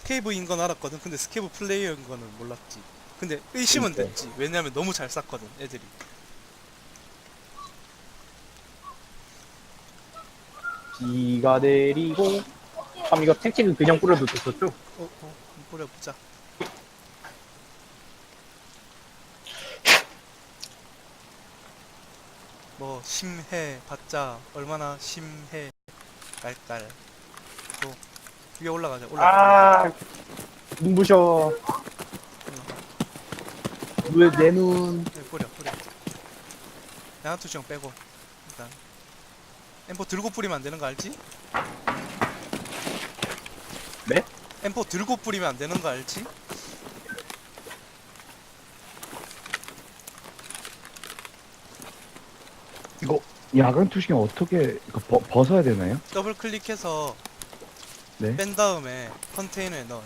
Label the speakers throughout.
Speaker 1: 스케이브인 건 알았거든. 근데 스케이브 플레이어인 거는 몰랐지. 근데 의심은
Speaker 2: 그러니까.
Speaker 1: 됐지. 왜냐면 너무 잘 쐈거든 애들이.
Speaker 2: 비가 내리고. 이거 택틱은 그냥 뿌려도 됐었죠?
Speaker 1: 한번 뿌려보자. 뭐 심해 봤자 얼마나 심해 깔깔. 또 위에 올라가자. 올라가.
Speaker 2: 아, 눈부셔. 왜 내 눈.
Speaker 1: 네, 뿌려. 양아투 형 빼고 일단 M4 들고 뿌리면 안 되는 거 알지?
Speaker 2: 네?
Speaker 1: M4 들고 뿌리면 안 되는 거 알지?
Speaker 3: 이거 야간 투시경 어떻게 이거 벗어야 되나요?
Speaker 1: 더블 클릭해서
Speaker 3: 네.
Speaker 1: 뺀 다음에 컨테이너에 넣어요.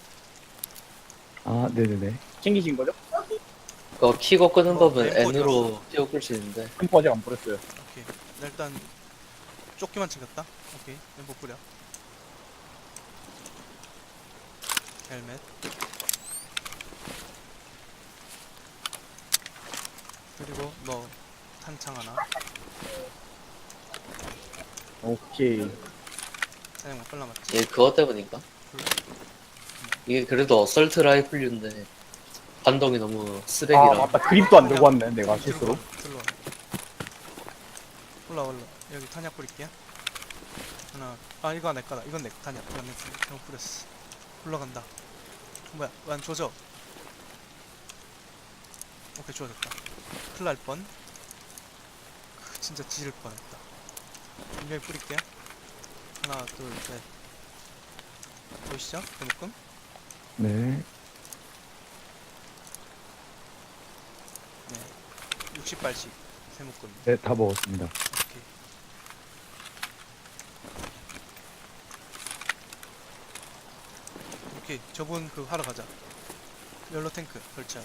Speaker 3: 아, 네네네.
Speaker 2: 챙기신 거죠?
Speaker 4: 그거 키고 끄는
Speaker 1: 뭐,
Speaker 4: 법은
Speaker 1: 램프
Speaker 4: N으로 키고 끌 수 있는데.
Speaker 2: 템포 아직 안 뿌렸어요.
Speaker 1: 오케이. 나 일단 조끼만 챙겼다. 오케이. M4 뿌려. 헬멧. 그리고 너 탄창 하나.
Speaker 2: 오케이.
Speaker 1: 사냥 빨라 맞지?
Speaker 4: 얘 그것 때문인가? 이게 그래도 어설트 라이플류인데 반동이 너무
Speaker 2: 아,
Speaker 4: 쓰레기라.
Speaker 2: 맞다. 그립도 안 들고 왔네, 내가 실수로.
Speaker 1: 올라. 여기 탄약 뿌릴게. 하나. 아 이거 내 거다. 이건 내 탄약. 이건 내 탄약. 잘못 뿌렸어. 올라간다. 뭐야? 왜 안 조져? 오케이 좋아졌다. 큰일 날 뻔. 진짜 지질 뻔했다. 분명히 뿌릴게요. 하나, 둘, 셋. 보이시죠? 대묶음?
Speaker 3: 네.
Speaker 1: 네. 60발씩. 세묶음.
Speaker 3: 네, 다 먹었습니다.
Speaker 1: 오케이. 오케이. 저분 그거 하러 가자. 옐로 탱크 설치하자.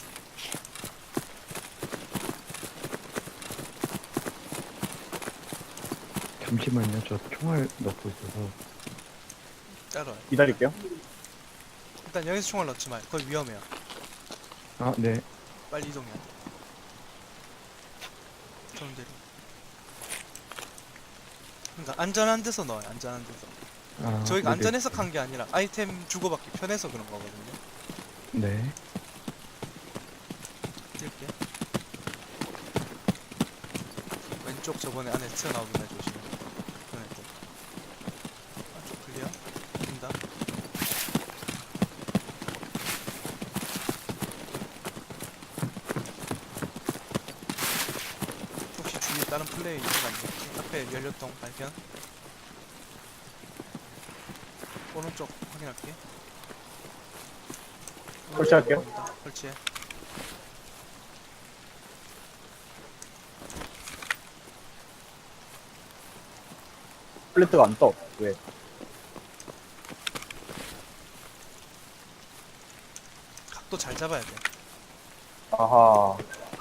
Speaker 3: 잠시만요. 저 총알 넣고 있어서.
Speaker 1: 따라와요.
Speaker 2: 기다릴게요.
Speaker 1: 일단 여기서 총알 넣지 마요. 거기 위험해요.
Speaker 3: 아, 네.
Speaker 1: 빨리 이동해야 돼. 좋은 대로. 그러니까 안전한 데서 넣어요. 안전한 데서.
Speaker 3: 아,
Speaker 1: 저희가
Speaker 3: 네네.
Speaker 1: 안전해서 간 게 아니라 아이템 주고받기 편해서 그런 거거든요.
Speaker 3: 네.
Speaker 1: 뛸게. 왼쪽 저번에 안에 튀어나오긴 해 조심해. 그런 애들. 안쪽 클리어. 된다. 혹시 주위에 다른 플레이 있는 거 아니야? 앞에 연료통 발견. 오른쪽 확인할게.
Speaker 2: 설치할게요.
Speaker 1: 보인다. 설치해.
Speaker 2: 플래트가 안 떠. 왜?
Speaker 1: 각도 잘 잡아야 돼.
Speaker 2: 아하.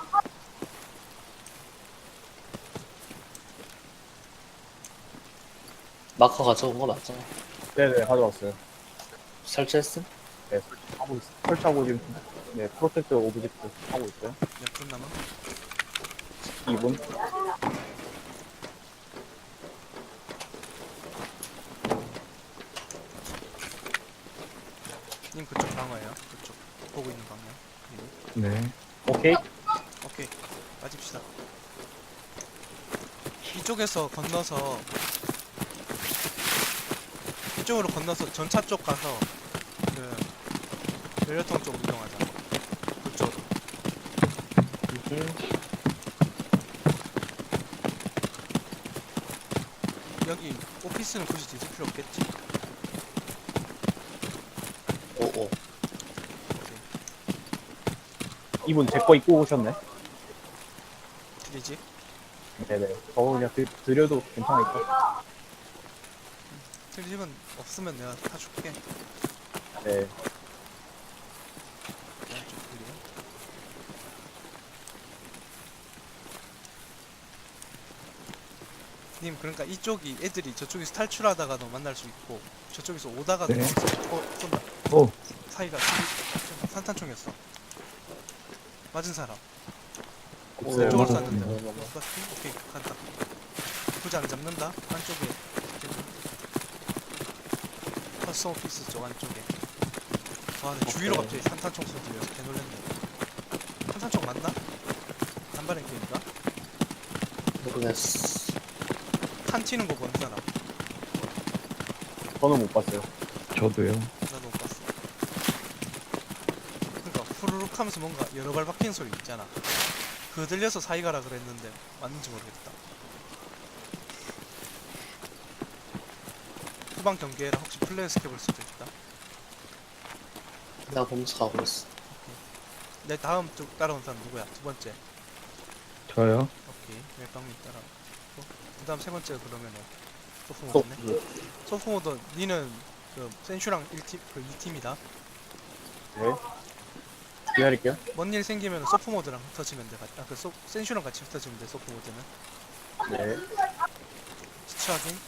Speaker 4: 마커 가져온 거 맞죠?
Speaker 2: 네네, 가져왔어요.
Speaker 4: 설치했음?
Speaker 2: 네, 설치하고 있어요. 설치하고 지금, 네, 프로텍트 오브젝트 하고 있어요.
Speaker 1: 몇 분 남아?
Speaker 2: 2분.
Speaker 1: 님 그쪽 방어예요. 그쪽 보고 있는 방향.
Speaker 3: 네.
Speaker 2: 오케이.
Speaker 1: 오케이. 빠집시다. 이쪽에서 건너서 이쪽으로 건너서 전차 쪽 가서 그 연료통 쪽 이동하자. 그쪽으로. 여기 오피스는 굳이 뒤질 필요 없겠지.
Speaker 4: 오오.
Speaker 1: 오케이.
Speaker 2: 2분 제 거 입고 오셨네.
Speaker 1: 드리지?
Speaker 2: 네네. 저 그냥 드려도 괜찮을까?
Speaker 1: 트립은 없으면 내가 타줄게.
Speaker 2: 네.
Speaker 1: 왼쪽 클리어. 님 그러니까 이쪽이 애들이 저쪽에서 탈출하다가도 만날 수 있고 저쪽에서 오다가도
Speaker 3: 네.
Speaker 1: 만날 수 있고. 쏜다.
Speaker 3: 어,
Speaker 1: 사이가 산탄총이었어. 맞은 사람.
Speaker 2: 없어요.
Speaker 1: 왼쪽으로
Speaker 3: 맞았어요.
Speaker 1: 쐈는데. 못 쐈지? 오케이, 간다. 부장 잡는다. 안쪽에. 커스텀 오피스 쪽 안쪽에. 와, 근데 주위로
Speaker 4: 오케이.
Speaker 1: 갑자기 산탄총 소리 들려서 개놀랬네. 산탄총 맞나? 단발의 게임인가?
Speaker 4: 모르겠어.
Speaker 1: 탄 튀는 거 본 사람.
Speaker 2: 저는 못 봤어요.
Speaker 3: 저도요.
Speaker 1: 나도 못 봤어. 그러니까 후루룩 하면서 뭔가 여러 발 박히는 소리 있잖아. 그거 들려서 사이가라 그랬는데 맞는지 모르겠다. 후방 경계라 혹시 플레이 스캡을 수도 있다.
Speaker 4: 나 보면서 가고 있어.
Speaker 1: 내 다음 쪽 따라온 사람 누구야? 두 번째.
Speaker 3: 저요.
Speaker 1: 오케이. 멜빵님 따라오고. 그 다음 세 번째 그러면은
Speaker 2: 또,
Speaker 1: 소프모드네. 소프모드 니는 그 센슈랑 1팀 그 2팀이다.
Speaker 2: 네. 기다릴게요.
Speaker 1: 뭔 일 생기면 소프모드랑 흩어지면 돼. 아, 그 센슈랑 같이 흩어지면 돼. 소프모드는.
Speaker 2: 네.
Speaker 1: 시체 확인.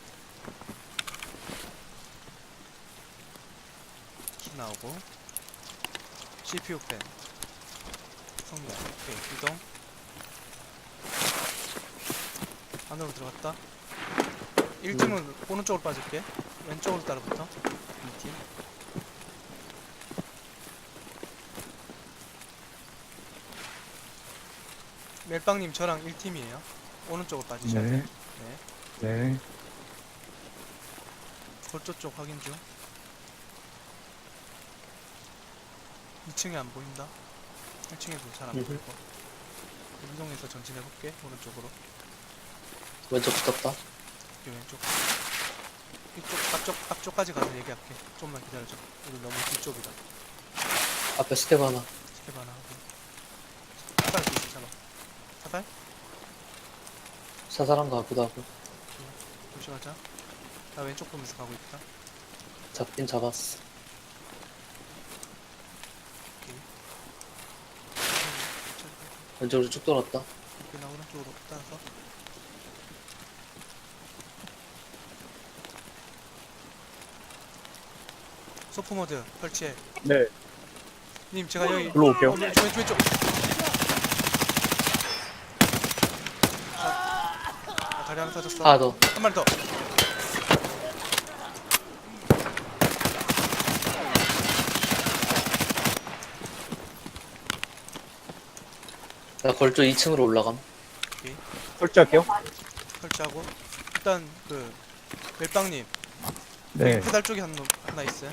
Speaker 1: 키 나오고. CPU 펜. 성명. 오케이. 이동. 안으로 들어갔다. 1팀은 오른쪽으로 빠질게. 왼쪽으로 따라붙어. 2팀. 멜빵님 저랑 1팀이에요. 오른쪽으로 빠지셔야
Speaker 3: 네.
Speaker 1: 돼요. 네.
Speaker 3: 네.
Speaker 1: 골조 쪽 확인 중. 2층에 안 보인다. 1층에도 잘 안 보이고. 이동해서 전진해볼게. 오른쪽으로.
Speaker 4: 왼쪽 붙었다.
Speaker 1: 여기 왼쪽. 이쪽 앞쪽까지 가서 얘기할게. 좀만 기다려줘. 여기 너무 뒤쪽이다.
Speaker 4: 앞에 스텝 하나.
Speaker 1: 스텝 하나 하고. 사달 수 있어. 잡아. 사달?
Speaker 4: 사살한 거 같기도 하고.
Speaker 1: 조심하자. 나 왼쪽 보면서 가고 있다.
Speaker 4: 잡긴 잡았어.
Speaker 1: 오케이.
Speaker 4: 왼쪽으로 쭉 돌았다.
Speaker 1: 오케이, 나 오른쪽으로 따라서. 소프모드 설치해.
Speaker 2: 네.
Speaker 1: 님 제가 여기
Speaker 2: 불러올게요.
Speaker 1: 왼쪽. 다리 하나 터졌어.
Speaker 4: 하나 더.
Speaker 1: 한 마리 더.
Speaker 4: 나 걸조 2층으로 올라감.
Speaker 2: 설치할게요.
Speaker 1: 설치하고. 일단 그 멜빵님
Speaker 3: 네.
Speaker 1: 페달 쪽에 하나 있어요.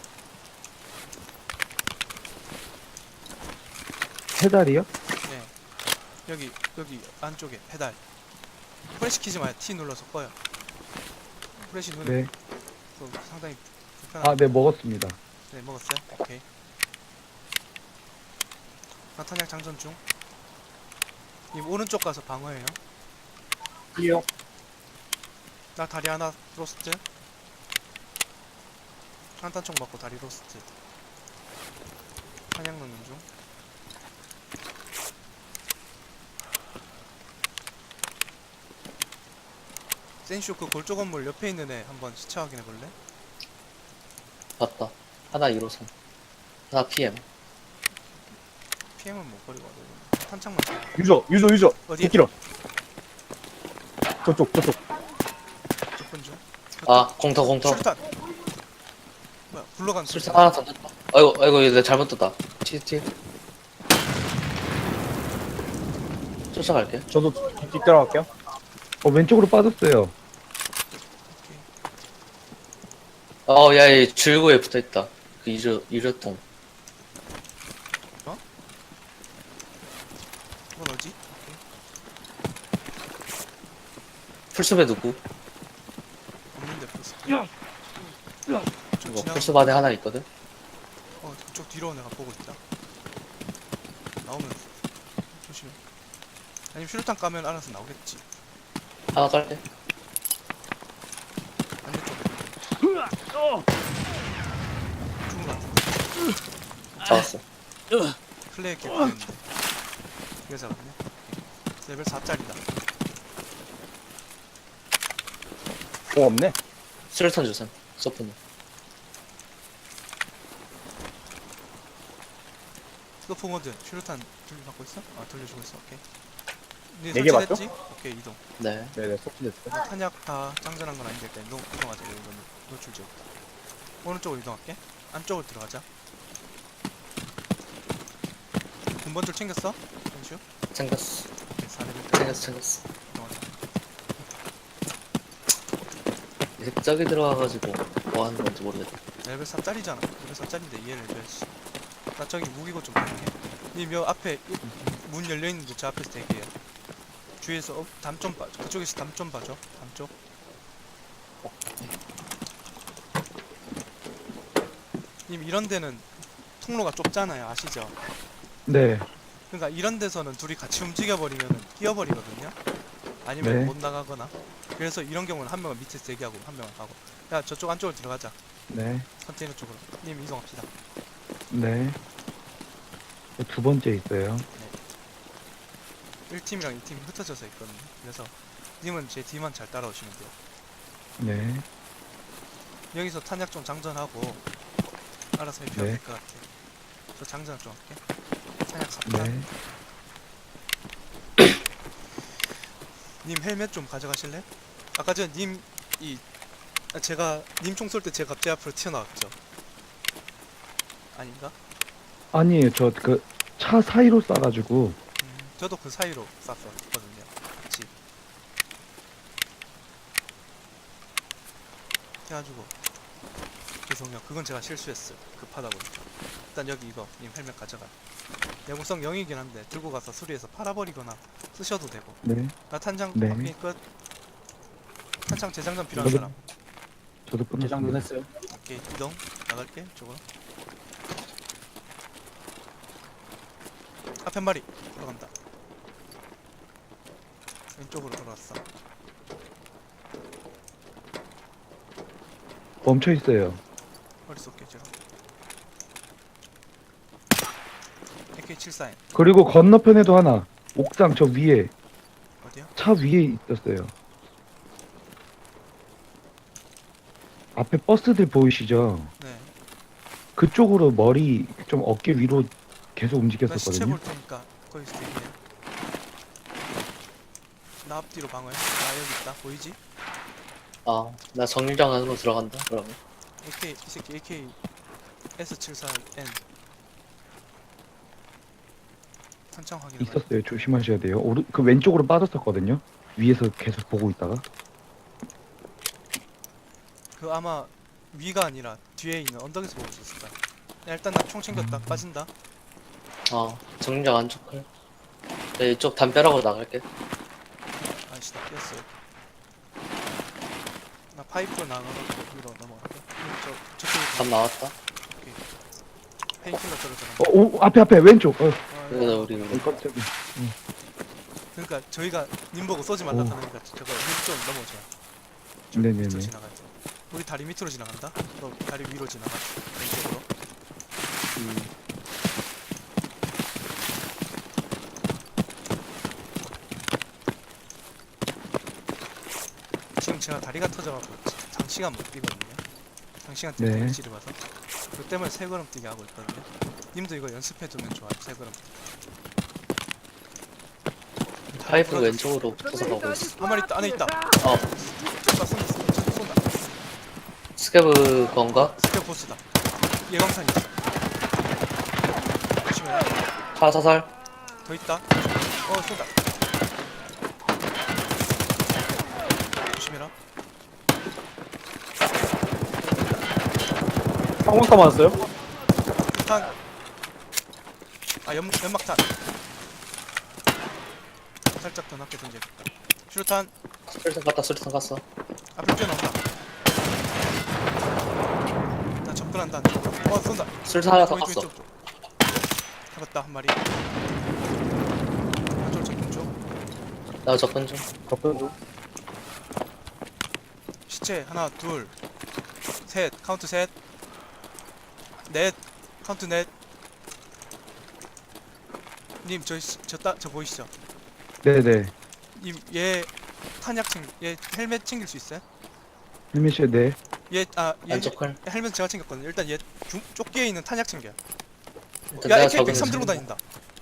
Speaker 3: 페달이요?
Speaker 1: 네. 여기 안쪽에 페달. 프레시 키지 마요. T 눌러서 꺼요. 프레시 눈에
Speaker 3: 네.
Speaker 1: 상당히 불편한.
Speaker 3: 아, 네, 먹었습니다.
Speaker 1: 네, 먹었어요. 오케이. 나탄약 장전 중. 님 오른쪽 가서 방어해요.
Speaker 2: 이요.
Speaker 1: 나 다리 하나 로스트. 한탄총 맞고 다리 로스트. 탄약 넣는 중. 센슈 그 골조 건물 옆에 있는 애 한번 시체 확인해 볼래?
Speaker 4: 봤다. 하나 1호선. 하나 PM.
Speaker 1: PM은 못 버리고 와도 탄창만
Speaker 2: 유저.
Speaker 1: 어디에?
Speaker 2: 9km. 저쪽.
Speaker 1: 접근 중.
Speaker 4: 아, 공터.
Speaker 1: 술탄. 뭐야? 굴러간
Speaker 4: 술사 하나 던졌다. 아이고, 내가 잘못 떴다. 티. 쫓아갈게.
Speaker 2: 저도 뒤따라갈게요.
Speaker 3: 왼쪽으로 빠졌어요.
Speaker 1: 오케이.
Speaker 4: 야, 얘 줄구에 붙어 있다. 그 이르통.
Speaker 1: 이건 어디? 오케이.
Speaker 4: 풀숲에 누구?
Speaker 1: 없는데 벌써. 좀
Speaker 4: 이거
Speaker 1: 지나가.
Speaker 4: 풀숲 안에 하나 있거든.
Speaker 1: 그쪽 뒤로 내가 보고 있다. 나오면 조심해. 아니면 슈루탄 까면 알아서 나오겠지.
Speaker 4: 하나 깔게.
Speaker 1: 반대쪽. 죽은 거 같은데.
Speaker 4: 잡았어.
Speaker 1: 플레이 개꿀했는데. 이거 잡았네. 레벨 4짜리다.
Speaker 2: 없네.
Speaker 4: 수류탄 주셈. 서프는.
Speaker 1: 스토프 모드 슈루탄 받고 있어? 아 돌려주고 있어. 오케이. 네,
Speaker 2: 네개
Speaker 1: 설치됐지? 오케이 이동.
Speaker 4: 네.
Speaker 2: 네네, 속지됐어요.
Speaker 1: 탄약 다 장전한 건 아닌데 일단 이동하자. 이거는 노출 지역부터. 오른쪽으로 이동할게. 안쪽으로 들어가자. 군번줄 챙겼어? 현슈?
Speaker 4: 챙겼어.
Speaker 1: 오케이 4레벨
Speaker 4: 챙겼어.
Speaker 1: 이동하자.
Speaker 4: 저기 들어가가지고 뭐 하는 건지 모르겠다.
Speaker 1: 레벨 4짜리잖아. 레벨 4짜리인데 얘 레벨 나 저기 무기고 좀 보게. 님 여 앞에 문 열려있는데 저 앞에서 대기해요. 주위에서 담 좀 봐. 그쪽에서 담 좀 봐줘. 담 쪽. 님 이런 데는 통로가 좁잖아요. 아시죠?
Speaker 3: 네.
Speaker 1: 그러니까 이런 데서는 둘이 같이 움직여버리면 끼어버리거든요. 아니면
Speaker 3: 네.
Speaker 1: 못 나가거나. 그래서 이런 경우는 한 명은 밑에서 대기하고 한 명은 가고. 야 저쪽 안쪽으로 들어가자.
Speaker 3: 네.
Speaker 1: 컨테이너 쪽으로. 님 이동합시다.
Speaker 3: 네. 두 번째 있어요.
Speaker 1: 1팀이랑 2팀이 흩어져서 있거든요. 그래서 님은 제 뒤만 잘 따라오시면 돼요.
Speaker 3: 네.
Speaker 1: 여기서 탄약 좀 장전하고 알아서 해피하면
Speaker 3: 네.
Speaker 1: 될 것 같아. 저 장전 좀 할게. 탄약 4탄.
Speaker 3: 네.
Speaker 1: 님 헬멧 좀 가져가실래? 아까 전 님 제가 님 총 쏠 때 제가 갑자기 앞으로 튀어나왔죠. 아닌가?
Speaker 3: 아니에요. 저 그 차 사이로 싸가지고.
Speaker 1: 저도 그 사이로 쐈었거든요. 같이. 해가지고 죄송해요. 그건 제가 실수했어요. 급하다 보니까. 일단 여기 이거 님 헬멧 가져가. 내구성 0이긴 한데 들고 가서 수리해서 팔아버리거나 쓰셔도 되고.
Speaker 3: 네.
Speaker 1: 나 탄창
Speaker 3: 네.
Speaker 1: 바퀴 끝. 탄창 재장전 필요한
Speaker 3: 저도-
Speaker 1: 사람.
Speaker 3: 저도
Speaker 2: 재장전
Speaker 3: 끝났습니다.
Speaker 2: 했어요.
Speaker 1: 오케이 이동 나갈게 쪽으로. 앞에 한 마리 들어간다. 왼쪽으로 돌아왔어.
Speaker 3: 멈춰 있어요.
Speaker 1: 머리 쏠게 제가. AK74M
Speaker 3: 그리고 건너편에도 하나. 옥상 저 위에
Speaker 1: 어디야?
Speaker 3: 차 위에 있었어요. 앞에 버스들 보이시죠?
Speaker 1: 네.
Speaker 3: 그쪽으로 머리 좀 어깨 위로 계속
Speaker 1: 나 시체
Speaker 3: 움직였었거든요.
Speaker 1: 볼 테니까 거기서 대기해. 나 앞뒤로 방어해. 나 여기 있다. 보이지?
Speaker 4: 아, 나 정류장 안으로 들어간다. 그러면.
Speaker 1: AK 이 새끼 AK S74N 탄창 확인해.
Speaker 3: 있었어요. 조심하셔야 돼요. 그 왼쪽으로 빠졌었거든요. 위에서 계속 보고 있다가.
Speaker 1: 그 아마 위가 아니라 뒤에 있는 언덕에서 보고 있었을 거야. 야, 일단 나 총 챙겼다. 빠진다.
Speaker 4: 아, 정류장 안쪽 클. 네, 이쪽 담벼락으로 나갈게.
Speaker 1: 아이씨 나 뛰었어. 나 파이프로 나가가지고 위로 넘어갈게. 저쪽에
Speaker 4: 담 나왔다.
Speaker 1: 페인킬러 떨어져.
Speaker 3: 앞에 왼쪽.
Speaker 4: 여기다 우리
Speaker 3: 깜짝이야.
Speaker 1: 그러니까 저희가 님 보고 쏘지 말라
Speaker 3: 오.
Speaker 1: 하니까 저거 좀 넘어져.
Speaker 3: 네네네.
Speaker 1: 밑으로 지나가죠. 우리 다리 밑으로 지나간다. 너 다리 위로 지나가. 왼쪽으로. 지금 제가 다리가 터져갖고 장시간 못 뛰거든요. 장시간 뛰는
Speaker 3: 네.
Speaker 1: 위치를 봐서. 그 때문에 세 걸음 뛰게 하고 있거든요. 님도 이거 연습해두면 좋아요. 세 걸음.
Speaker 4: 파이프 왼쪽으로 붙어서 가고 있어.
Speaker 1: 한 마리 있다. 안에 있다.
Speaker 4: 어,
Speaker 1: 쏜다.
Speaker 4: 스케브 건가?
Speaker 1: 스텝 보스다. 예광탄 있어. 조심해.
Speaker 4: 차 사살.
Speaker 1: 더 있다. 쏜다. 조심해라.
Speaker 2: 항공사 맞았어요?
Speaker 1: 탄. 연막탄. 살짝 더 낮게 던져야겠다. 슈루탄.
Speaker 4: 술탄 갔어.
Speaker 1: 앞에 뛰어나온다. 나 접근한다. 쏜다.
Speaker 4: 술탄 하나 더
Speaker 1: 왼쪽,
Speaker 4: 갔어.
Speaker 1: 왼쪽 쪽. 잡았다 한 마리. 한쪽 접근 쪽.
Speaker 4: 나 접근 중.
Speaker 2: 접근 중.
Speaker 1: 시체 하나 둘 셋 카운트 셋 넷 카운트 넷. 님 저 보이시죠?
Speaker 3: 네네.
Speaker 1: 님 얘 탄약 얘 헬멧 챙길 수 있어요?
Speaker 3: 헬멧이요. 네.
Speaker 1: 얘
Speaker 4: 안쪽 클.
Speaker 1: 헬멧 제가 챙겼거든요. 일단 얘 조끼에 있는 탄약 챙겨요.
Speaker 4: 일단
Speaker 1: 야
Speaker 4: 내가
Speaker 1: AK
Speaker 4: 적은
Speaker 1: 103 들고 다닌다.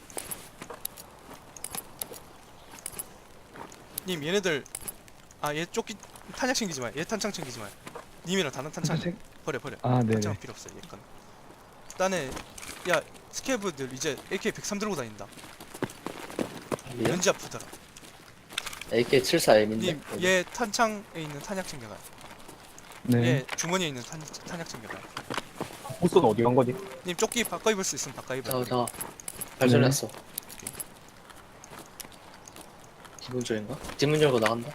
Speaker 1: 님 얘네들 얘 조끼 탄약 챙기지 마. 얘 탄창 챙기지 마. 님이랑 다른 탄창
Speaker 3: 탄창
Speaker 1: 버려.
Speaker 3: 아, 네네.
Speaker 1: 탄창은 필요 없어. 얘 건. 딴에 야 스케브들 이제 AK 103 들고 다닌다.
Speaker 4: 얘?
Speaker 1: 왠지 아프더라.
Speaker 4: AK74M인데?
Speaker 1: 님 얘 탄창에 있는 탄약 챙겨가.
Speaker 3: 네.
Speaker 1: 얘 주머니에 있는 탄약 챙겨가.
Speaker 2: 보스는 어디 간 거지?
Speaker 1: 님 조끼 바꿔 입을 수 있으면 바꿔 입어.
Speaker 4: 자, 발전했어. 기분 좋은가? 뒷문 열고 나간다.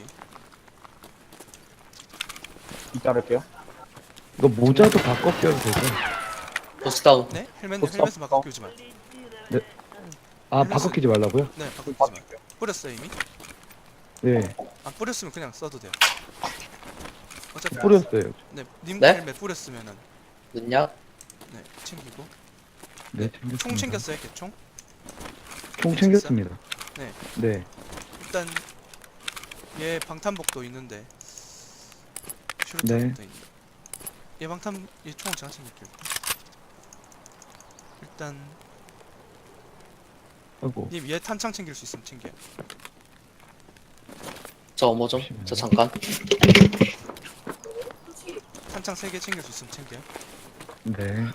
Speaker 2: 이따를게요.
Speaker 3: 이거 모자도 바꿔 껴도 되죠?
Speaker 4: 보스 다운.
Speaker 1: 네? 헬멧
Speaker 2: 보스
Speaker 1: 헬멧은 바꿔
Speaker 2: 없어.
Speaker 1: 끼우지 마.
Speaker 3: 아, 바꿔 끼지 말라고요?
Speaker 1: 네 바꿔 끼우지 마. 뿌렸어 이미?
Speaker 3: 네.
Speaker 1: 안 뿌렸으면 그냥 써도 돼요. 어차피
Speaker 3: 뿌렸어요.
Speaker 1: 네, 님
Speaker 4: 네?
Speaker 1: 헬멧 뿌렸으면은
Speaker 4: 눈약?
Speaker 1: 네 챙기고
Speaker 3: 네, 챙겼습니다.
Speaker 1: 총 챙겼어요 개총?
Speaker 3: 총 챙겼습니다.
Speaker 1: 네.
Speaker 3: 네.
Speaker 1: 일단 얘 방탄복도 있는데
Speaker 3: 네.
Speaker 1: 슈루탄도 있는데 얘 방탄 얘 총은 제가 챙길게요. 일단
Speaker 3: 아이고.
Speaker 1: 님 얘 탄창 챙길 수 있으면 챙겨요.
Speaker 4: 저 어머 좀. 저 잠깐.
Speaker 1: 탄창 3개 챙길 수 있으면 챙겨요.
Speaker 3: 네.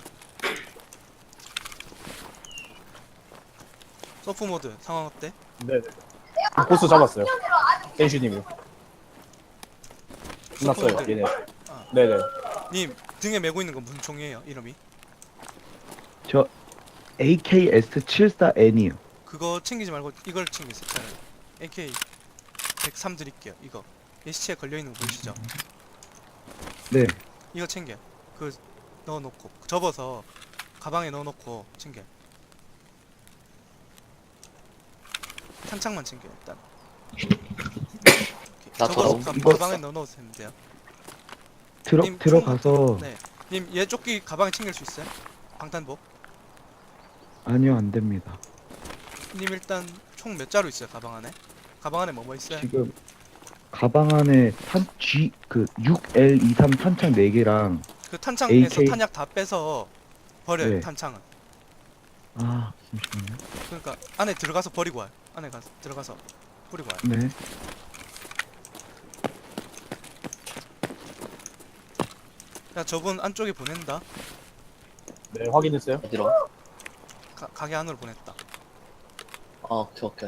Speaker 1: 서프 모드 상황 어때?
Speaker 2: 네네. 보스 잡았어요. 댄슈님이. 끝났어요,
Speaker 1: 서프 모드.
Speaker 2: 얘네.
Speaker 1: 아.
Speaker 2: 네네.
Speaker 1: 님 등에 메고 있는 건 무슨 총이에요? 이름이?
Speaker 3: 저 AKS74N이요.
Speaker 1: 그거 챙기지 말고 이걸 챙기세요. 차라리. AK 103 드릴게요. 이거 얘 시체에 걸려있는 거 보이시죠?
Speaker 3: 네.
Speaker 1: 이거 챙겨. 그 넣어놓고 접어서 가방에 넣어놓고 챙겨. 탄창만 챙겨 일단.
Speaker 4: 나
Speaker 1: 접어서
Speaker 4: 더러움.
Speaker 1: 가방에 넣어놓으면 돼요. 님,
Speaker 3: 들어가서
Speaker 1: 네. 님 얘 조끼 가방에 챙길 수 있어요? 방탄복?
Speaker 3: 아니요, 안 됩니다.
Speaker 1: 님 일단 총 몇 자루 있어요 가방 안에? 가방 안에 뭐 있어요?
Speaker 3: 지금 가방 안에 그 6L23 탄창 4개랑
Speaker 1: 그 탄창에서
Speaker 3: AK.
Speaker 1: 탄약 다 빼서 버려요.
Speaker 3: 네.
Speaker 1: 탄창은.
Speaker 3: 아, 잠시만요.
Speaker 1: 그러니까 안에 들어가서 버리고 와요. 안에 가서 들어가서 버리고 와요.
Speaker 3: 네.
Speaker 1: 야 저분 안쪽에 보낸다.
Speaker 2: 네, 확인했어요.
Speaker 4: 어디로?
Speaker 1: 가게 안으로 보냈다.
Speaker 4: 오케이, 오케이.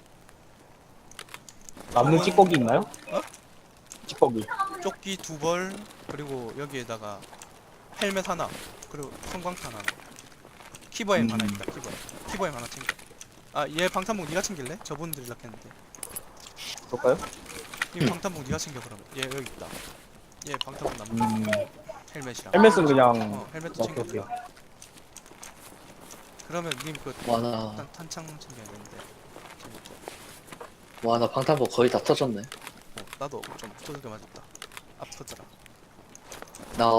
Speaker 2: 남는 찌꺼기 있나요?
Speaker 1: 어?
Speaker 2: 찌꺼기.
Speaker 1: 조끼 2벌 그리고 여기에다가 헬멧 하나 그리고 성광탄 하나. 키버엠 하나 있다. 키버엠 하나 챙겨. 얘 방탄복 네가 챙길래? 저분 드리려 했는데.
Speaker 2: 그럴까요?
Speaker 1: 이 방탄복 네가 챙겨 그러면. 얘 여기 있다. 얘 방탄복 남는 헬멧이랑.
Speaker 2: 헬멧은 그냥
Speaker 1: 헬멧도
Speaker 2: 오케이,
Speaker 1: 챙겨.
Speaker 2: 오케이.
Speaker 1: 그러면 님 그
Speaker 4: 와, 나,
Speaker 1: 일단 탄창 챙겨야 되는데.
Speaker 4: 와, 나 방탄복 거의 다 터졌네.
Speaker 1: 나도 좀 두들겨 맞았다. 아프더라.
Speaker 4: 나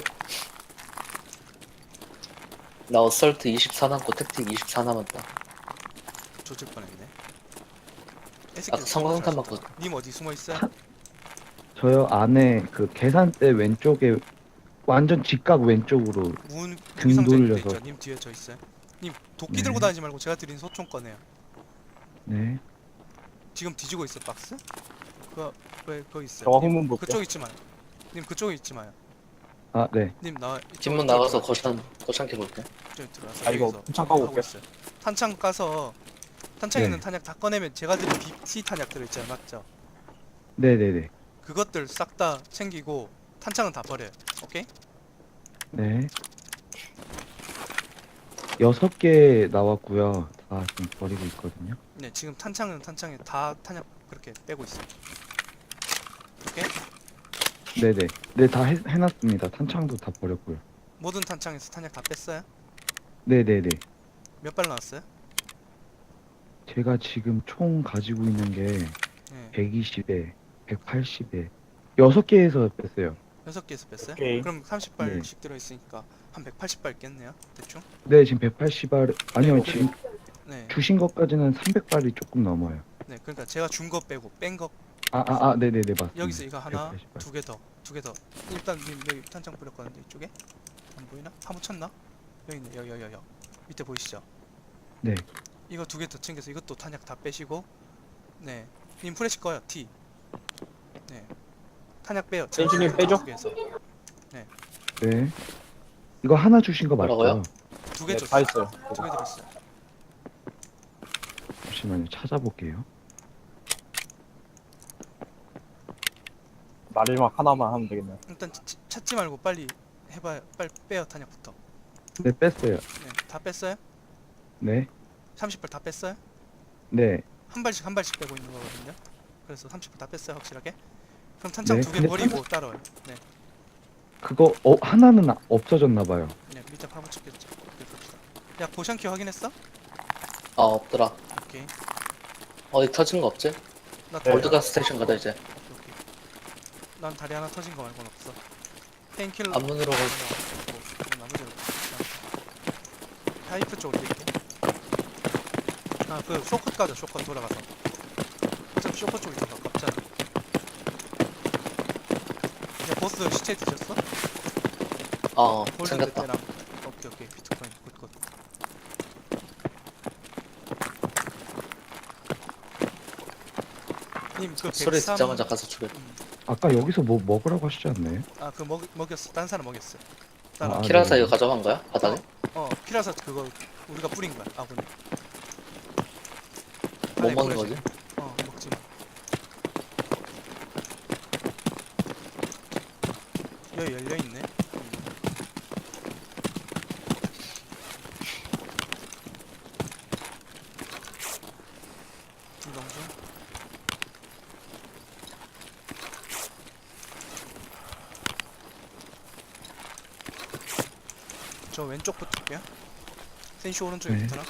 Speaker 4: 나 어설트 24 남고 택틱 24 남았다.
Speaker 1: 조질 뻔했네.
Speaker 4: 아까 성광탄 맞고
Speaker 1: 님 어디 숨어 있어요?
Speaker 3: 저요 안에 그 계산대 왼쪽에 완전 직각 왼쪽으로
Speaker 1: 무기 상자 있는 데
Speaker 3: 돌려서.
Speaker 1: 있죠. 님 뒤에 저 있어요. 님 도끼
Speaker 3: 네.
Speaker 1: 들고 다니지 말고 제가 드린 소총 꺼내요.
Speaker 3: 네.
Speaker 1: 지금 뒤지고 있어 박스? 왜 거기 있어요?
Speaker 2: 저거
Speaker 1: 님,
Speaker 2: 후문 볼게요.
Speaker 1: 그쪽에 있지 마요. 님 그쪽에 있지 마요.
Speaker 3: 아, 네.
Speaker 1: 님 나와.
Speaker 4: 뒷문 나가서 거창해 볼게.
Speaker 1: 저기 들어와서
Speaker 2: 아, 이거
Speaker 1: 여기서
Speaker 2: 탄창 까고
Speaker 1: 하고
Speaker 2: 올게요.
Speaker 1: 있어요. 탄창 까서 탄창에
Speaker 3: 네.
Speaker 1: 있는 탄약 다 꺼내면 제가 드린 BT 탄약 들어있잖아요, 맞죠?
Speaker 3: 네네네.
Speaker 1: 그것들 싹 다 챙기고 탄창은 다 버려요. 오케이?
Speaker 3: 네. 6개 나왔고요. 다 지금 버리고 있거든요.
Speaker 1: 네, 지금 탄창은 탄창에 다 탄약 그렇게 빼고 있어요. 오케이?
Speaker 3: 네네. 네, 다 해놨습니다. 탄창도 다 버렸고요.
Speaker 1: 모든 탄창에서 탄약 다 뺐어요?
Speaker 3: 네네네.
Speaker 1: 몇 발 나왔어요?
Speaker 3: 제가 지금 총 가지고 있는 게
Speaker 1: 네,
Speaker 3: 120에 180에 6개에서 뺐어요.
Speaker 1: 6개에서 뺐어요?
Speaker 2: 오케이.
Speaker 1: 그럼 30발씩 들어있으니까 한 180발 깼네요, 대충?
Speaker 3: 네, 지금 180알 아니요,
Speaker 1: 네,
Speaker 3: 지금
Speaker 1: 네,
Speaker 3: 주신 것까지는 300발이 조금 넘어요.
Speaker 1: 네, 그러니까 제가 준 거 빼고 뺀 거
Speaker 3: 네네네, 맞습니다.
Speaker 1: 여기서 이거 하나,
Speaker 3: 180발.
Speaker 1: 두 개 더. 일단 님 여기 탄창 뿌렸거든요, 이쪽에? 안 보이나? 파묻혔나? 여기 있네, 여기. 밑에 보이시죠?
Speaker 3: 네.
Speaker 1: 이거 두 개 더 챙겨서 이것도 탄약 다 빼시고 네. 님 프레시 꺼요. T. 네. 탄약 빼요.
Speaker 2: 센슈님 빼죠?
Speaker 1: 두 개에서.
Speaker 3: 네. 이거 하나 주신 거
Speaker 4: 뭐라고요?
Speaker 3: 맞죠?
Speaker 1: 두 개
Speaker 2: 네,
Speaker 1: 줬어요.
Speaker 2: 다 있어요.
Speaker 1: 두 개 드렸어요.
Speaker 3: 잠시만요. 찾아볼게요.
Speaker 2: 마지막 하나만 하면 되겠네요.
Speaker 1: 일단 찾지 말고 빨리 해봐요. 빨리 빼요. 탄약부터.
Speaker 3: 네, 뺐어요.
Speaker 1: 네. 다 뺐어요?
Speaker 3: 네.
Speaker 1: 30발 다 뺐어요?
Speaker 3: 네.
Speaker 1: 한 발씩 빼고 있는 거거든요. 그래서 30발 다 뺐어요. 확실하게. 그럼 탄창
Speaker 3: 네,
Speaker 1: 두 개
Speaker 3: 근데
Speaker 1: 버리고 따라와요. 네.
Speaker 3: 그거 하나는 없어졌나 봐요.
Speaker 1: 네. 밑에 파묻혔겠죠 오케이, 봅시다. 야, 보션키 확인했어?
Speaker 4: 아 없더라.
Speaker 1: 오케이.
Speaker 4: 어디 터진 거 없지?
Speaker 1: 나
Speaker 2: 네.
Speaker 1: 다리
Speaker 4: 올드가스 스테이션 가자 이제.
Speaker 1: 오케이. 난 다리 하나 터진 거 말고는 없어. 페인킬러
Speaker 4: 앞문으로 가.
Speaker 1: 나머지는 파이프 쪽으로 뛸게. 아, 그 쇼컷 가자. 쇼컷 돌아가서. 어차피 쇼컷 쪽이 더 가깝잖아. 야, 보스 시체 드셨어? 골든
Speaker 4: 챙겼다.
Speaker 1: 베테랑. 오케이. 비트코인 굿. 님그
Speaker 4: 소리
Speaker 1: 103.
Speaker 4: 듣자마자 가서 죽여.
Speaker 3: 아까 여기서 뭐 먹으라고 하시지 않나요?
Speaker 1: 아, 그 먹였어. 딴 사람 먹였어.
Speaker 3: 아,
Speaker 4: 키라사
Speaker 3: 네.
Speaker 4: 이거 가져간 거야? 바닥에?
Speaker 1: 피라사 그거 우리가 뿌린 거야. 아군이.
Speaker 4: 못
Speaker 1: 안에
Speaker 4: 먹는
Speaker 1: 뿌려지.
Speaker 4: 거지?
Speaker 1: 먹지 마. 여기 열려 있네. 김동준. 저 왼쪽 붙을게요. 센시 오른쪽에
Speaker 3: 네.
Speaker 1: 붙어라.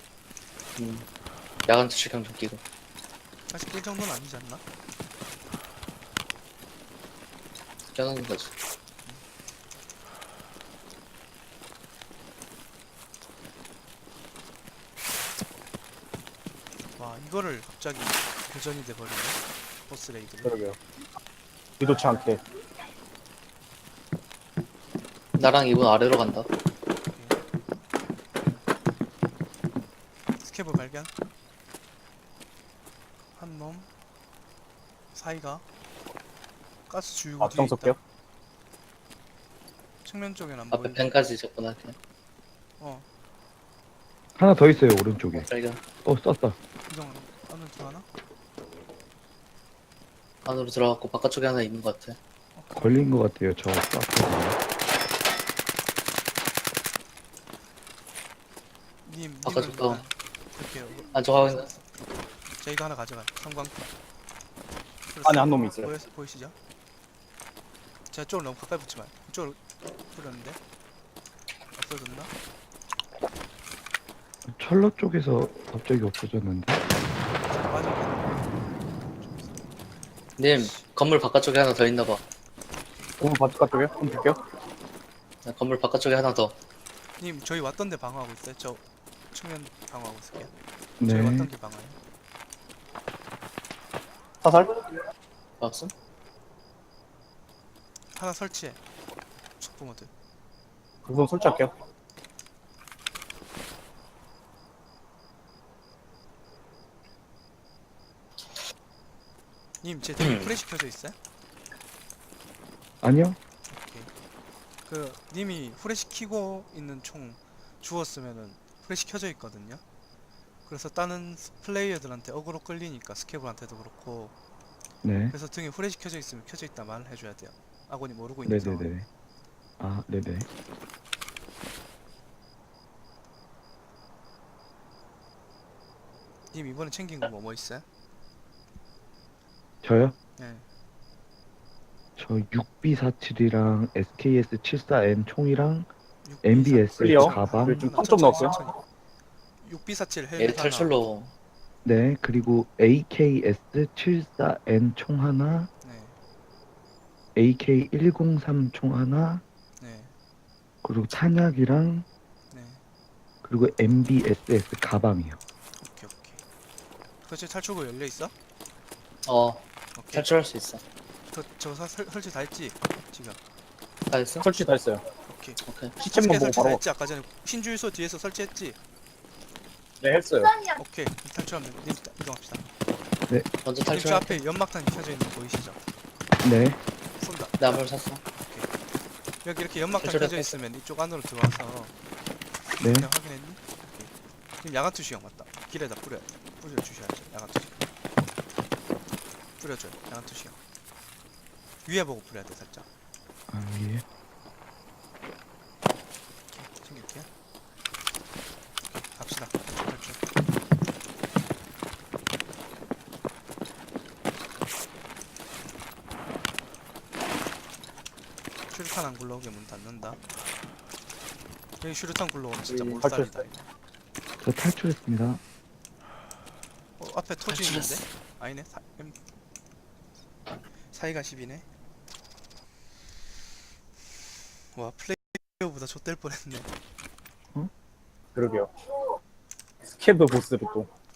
Speaker 4: 야간 투시경 좀 끼고.
Speaker 1: 아직 이 정도는 아니지 않나?
Speaker 4: 껴놓는 거지.
Speaker 1: 와, 이거를 갑자기 교전이 돼버리네. 보스 레이드를.
Speaker 2: 그러게요. 의도치 않게.
Speaker 4: 나랑 이분 아래로 간다.
Speaker 1: 스케브 발견. 한 놈. 사이가. 가스 주유구 뒤에
Speaker 2: 앞장
Speaker 1: 있다.
Speaker 2: 쏠게요.
Speaker 1: 측면 쪽엔 안
Speaker 4: 앞에
Speaker 1: 보이네.
Speaker 4: 펜까지 접근할게.
Speaker 1: 어,
Speaker 3: 하나 더 있어요, 오른쪽에.
Speaker 4: 발견.
Speaker 3: 썼다.
Speaker 1: 이동 안으로 들어가나?
Speaker 4: 안으로 들어갔고 바깥쪽에 하나 있는 것 같아.
Speaker 3: 걸린 것 같아요, 저 쐈거든요.
Speaker 1: 님,
Speaker 4: 바깥쪽
Speaker 1: 님은
Speaker 4: 다운.
Speaker 1: 이렇게.
Speaker 4: 아 저거 하나.
Speaker 1: 자, 이거 하나 가져가. 성광.
Speaker 2: 안에 한 놈이 있어요.
Speaker 1: 보이시죠? 제가 쪽으로 너무 가까이 붙지 마요. 이쪽으로 뿌렸는데 없어졌나?
Speaker 3: 철로 쪽에서 갑자기 없어졌는데.
Speaker 1: 맞아.
Speaker 4: 님 건물 바깥쪽에 하나 더 있나 봐.
Speaker 2: 오늘 바깥쪽에 한번 볼게요.
Speaker 4: 건물 바깥쪽에 하나 더.
Speaker 1: 님, 저희 왔던 데 방어하고 있어요. 저 측면 방어하고 있을게요.
Speaker 3: 네.
Speaker 1: 저희 왔던 게 방어예요.
Speaker 2: 사살?
Speaker 4: 봤어?
Speaker 1: 하나 설치해. 속보 모드.
Speaker 2: 우선 설치할게요.
Speaker 1: 님, 제 대기 프레시 켜져 있어요?
Speaker 3: 아니요?
Speaker 1: 그 님이 후레시 키고 있는 총 주웠으면은 후레시 켜져 있거든요. 그래서 다른 플레이어들한테 어그로 끌리니까 스케블한테도 그렇고.
Speaker 3: 네.
Speaker 1: 그래서 등에 후레시 켜져 있으면 켜져 있다 말을 해줘야 돼요. 아군이 모르고 있는 상황.
Speaker 3: 네네네. 아, 네네.
Speaker 1: 님, 이번에 챙긴 거 뭐 있어요?
Speaker 3: 저요?
Speaker 1: 네.
Speaker 3: 저 6B47이랑 SKS74N 총이랑
Speaker 1: 6B47
Speaker 3: MBS
Speaker 2: 클리어.
Speaker 3: 가방.
Speaker 2: 네, 좀 탐좀 넣었어요.
Speaker 1: 6B47
Speaker 4: 얘
Speaker 1: 헬멧 하나.
Speaker 4: 탈출로.
Speaker 3: 네, 그리고 AKS74N 총 하나,
Speaker 1: 네.
Speaker 3: AK103 총 하나,
Speaker 1: 네.
Speaker 3: 그리고 탄약이랑
Speaker 1: 네.
Speaker 3: 그리고 MBSS 가방이요.
Speaker 1: 오케이. 그치, 탈출구 열려 있어? 오케이.
Speaker 4: 탈출할 수 있어.
Speaker 1: 저거 설치 다 했지? 지금.
Speaker 4: 다 했어?
Speaker 2: 설치 다 했어요.
Speaker 1: 오케이.
Speaker 4: 오케이.
Speaker 2: 시체만 보고
Speaker 1: 설치 다
Speaker 2: 바로.
Speaker 1: 했지? 아까 전에 신주유소 뒤에서 설치했지?
Speaker 2: 네, 했어요.
Speaker 1: 오케이. 탈출하면 돼. 님 이동합시다.
Speaker 4: 먼저
Speaker 1: 님 저
Speaker 4: 탈출.
Speaker 1: 앞에 연막탄 켜져 있는 거 보이시죠?
Speaker 3: 네.
Speaker 1: 쏜다.
Speaker 4: 나물 샀어.
Speaker 1: 여기 이렇게 연막탄
Speaker 4: 탈출했다.
Speaker 1: 켜져 있으면 이쪽 안으로 들어와서
Speaker 3: 네.
Speaker 1: 그냥 확인했니? 오케이. 지금 야간 투시형 맞다. 길에다 뿌려 주셔야죠. 야간 투시. 뿌려줘요. 야간 투시형. 위에 보고 뿌려야 돼 살짝.
Speaker 3: 아, 예.
Speaker 1: 챙길게요. 갑시다. 탈출. 슈루탄 안 굴러오게 문 닫는다. 여기 슈루탄 굴러오면 진짜 몰살이다.
Speaker 2: 탈출했어요.
Speaker 3: 저 탈출했습니다.
Speaker 1: 앞에 토지 있는데?
Speaker 4: 탈출했어.
Speaker 1: 아니네. 사이가 10이네. 와 플레이어보다 좆될 뻔했네.
Speaker 2: 그러게요. 스캐브 보스를 또.